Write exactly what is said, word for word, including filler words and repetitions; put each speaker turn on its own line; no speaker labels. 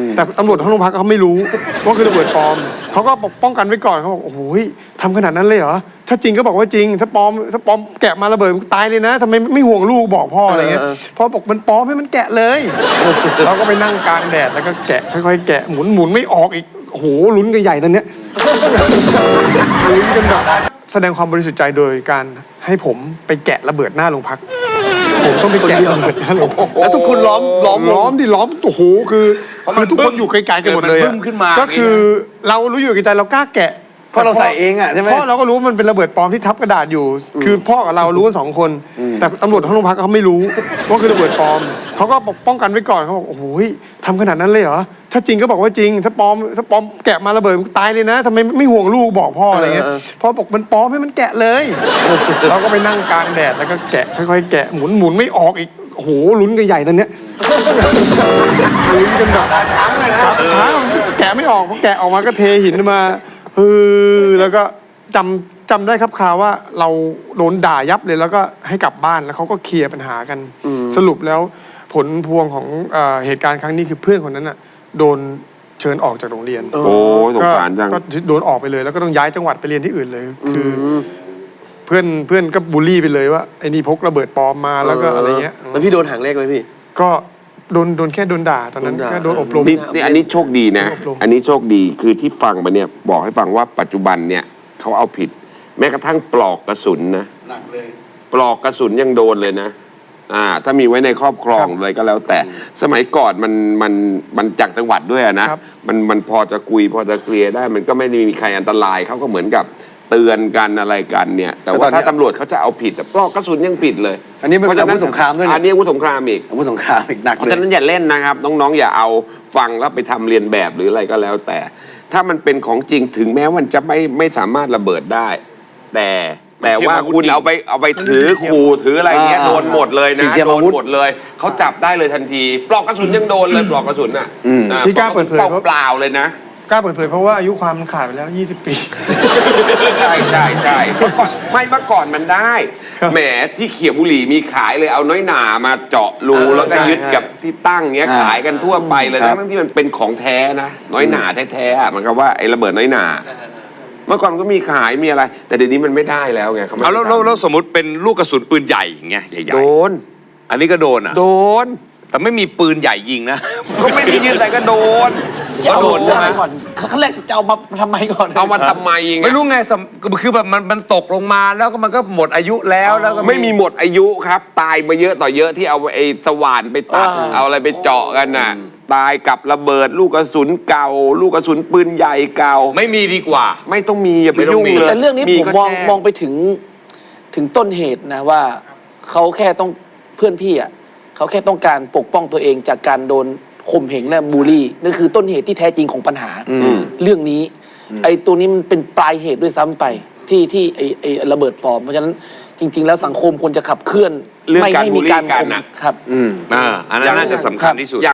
แต่ตำรวจทั้งโรงพักเขาไม่รู้ว่าคือระเบิดปลอมเขาก็ป้องกันไว้ก่อนเขาบอกโอ้โหทำขนาดนั้นเลยเหรอถ้าจริงก็บอกว่าจริงถ้าปลอมถ้าปลอมแกะมาระเบิดตายเลยนะทำไมไม่ห่วงลูกบอกพ่ออะไรเงี้ยพ่อบอกมันปลอมให้มันแกะเลยเราก็ไปนั่งกลางแดดแล้วก็แกะค่อยๆแกะหมุนหมุนไม่ออกอีกโอ้โหลุ้นกันใหญ่ตอนเนี้ยลุ้นกันแบบแสดงความบริสุทธิ์ใจโดยการให้ผมไปแกะระเบิดหน้าโรงพักผมต้องไปแกะระเบิดหน้าโรงพัก
แล้วทุกคนล้อมล้อม
ล้อมดิล้อมโอ้โหคือคือทุกคนอยู่ไกลๆกันหมดเลยก็คือเรารู้อยู่ไกลๆเรากล้าแกะ
เพราะเราใส่เองอ่ะใช่ไหม
พ่อเราก็รู้มันเป็นระเบิดปลอมที่ทับกระดาษอยู่คือพ่อกับเรารู้กันสองคนแต่ตำรวจทั้งโรงพักเขาไม่รู้ว่าคือระเบิดปลอมเขาก็ป้องกันไว้ก่อนเขาบอกโอ้โหทำขนาดนั้นเลยเหรอถ้าจริงก็บอกว่าจริงถ้าปลอมถ้าปลอมแกะมาระเบิดตายเลยนะทำไมไม่ห่วงลูกบอกพ่ออะไรเงี้ยพ่อบอกมันปลอมให้มันแกะเลยเราก็ไปนั่งกลางแดดแล้วก็แกะค่อยๆแกะหมุนหมุนไม่ออกอีกโอ้โหลุ้นกันใหญ่ตอนเนี้ยลุ้นกันแบบช้างเลยนะช้างแกะไม่ออกพอแกะออกมาก็เทหินมาเออแล้วก็จำจำได้ครับข่าวว่าเราโดนด่ายับเลยแล้วก็ให้กลับบ้านแล้วเขาก็เคลียร์ปัญหากันสรุปแล้วผลพวงของเหตุการณ์ครั้งนี้คือเพื่อนคนนั้นน่ะโดนเชิญออกจากโรงเรียน
โอ้สงสารจัง
ก็โดนออกไปเลยแล้วก็ต้องย้ายจังหวัดไปเรียนที่อื่นเลยคือเพื่อนเพื่อนก็บูลลี่ไปเลยว่าไอ้นี่พกระเบิดปลอมมาแล้วก็อะไรเงี้ย
แล้วพี่โดนหางเลขไหมพี่
ก็โดนโดนแค่โดนด่าตอนนั้นแค่โดนอบรม
นี่อันนี้โชคดีนะอันนี้โชคดีคือที่ฟังมาเนี่ยบอกให้ฟังว่าปัจจุบันเนี่ยเขาเอาผิดแม้กระทั่งปลอกกระสุนนะ
หนักเลย
ปลอกกระสุนยังโดนเลยนะอ่าถ้ามีไว้ในครอบครองเลยก็แล้วแต่สมัยก่อนมันมันมันจากจังหวัดด้วยนะมันมันพอจะคุยพอจะเคลียร์ได้มันก็ไม่ได้มีใครอันตรายเขาก็เหมือนกับเตือนกันอะไรกันเนี่ยแต่ว่าถ้าตำรวจเขาจะเอาผิดปลอกกระสุนยังผิดเลย
อันนี้เป็นอาวุธสงครามด้วย
อันนี้อาวุธสงครามอีก
อาวุธสงครามอีกหนักเลย
เพราะฉะนั้นอย่าเล่นนะครับน้องๆอย่าเอาฟังแล้วไปทำเรียนแบบหรืออะไรก็แล้วแต่ถ้ามันเป็นของจริงถึงแม้มันจะไม่ไม่สามารถระเบิดได้แต่แต่ว่าคุณเอาไปเอาไปถือขู่ถืออะไรเงี้ยโดนหมดเลยนะโดนหมดเลยเขาจับได้เลยทันทีปลอกกระสุนยังโดนเลยปลอกกระสุนอ่ะ
ที่กล้าเปิดเผย
เปล่าเลยนะ
กล้าเปิดเผยเพราะว่าอายุความมันขาดไปแล้วยี่สิบปี
ใช่ใช่ใช่เมื่อก่อนไม่เมื่อก่อนมันได้แหมที่เขียวบุหรี่มีขายเลยเอาน้อยหนามาเจาะรูแล้วก็ยึดกับที่ตั้งเงี้ยขายกันทั่วไปเลยทั้งที่มันเป็นของแท้นะน้อยหนาแท้ๆมันก็ว่าไอ้ระเบิดน้อยหนาเมื่อก่อนก็มีขายมีอะไรแต่เดี๋ยวนี้มันไม่ได้แล้วไง
เอาแล้วแล้วสมมติเป็นลูกกระสุนปืนใหญ่อย่างเงี้ยใหญ่ๆ
โดน
อันนี้ก็โดนอ่ะ
โดน
แต่ไม่มีปืนใหญ่ยิงนะ
ก็ไม่มียิงแต่ก็โดน
ก็โดนใช่ไหมก่อนขั้นแรกจะเอามาทำไมก่อน
เอามาทำไมไง
ไม่รู้ไงคือแบบมันมันตกลงมาแล้วก็มันก็หมดอายุแล้วแล้วก็
ไม่มีหมดอายุครับตายมาเยอะต่อเยอะที่เอาไอ้สว่านไปตัดเอาอะไรไปเจาะกันน่ะตายกับระเบิดลูกกระสุนเก่าลูกกระสุนปืนใหญ่เก่า
ไม่มีดีกว่า
ไม่ต้องมีอย่าไปยุ่งเลย
แต่เรื่องนี้ผมมองมองไปถึงถึงต้นเหตุนะว่าเขาแค่ต้องเพื่อนพี่อ่ะเขาแค่ต้องการปกป้องตัวเองจากการโดนข่มเหงและบูลลี่นั่นคือต้นเหตุที่แท้จริงของปัญหาเรื่องนี้ไอ้ตัวนี้มันเป็นปลายเหตุด้วยซ้ำไปที่ที่ไอ้ไอ้ระเบิดปลอมเพราะฉะนั้นจริงๆแล้วสังคมควรจะขับเคลื่อนไม่ให้มีการข่ม
ครับ
อ่าอันนั้นน่าจะสำคัญที่สุด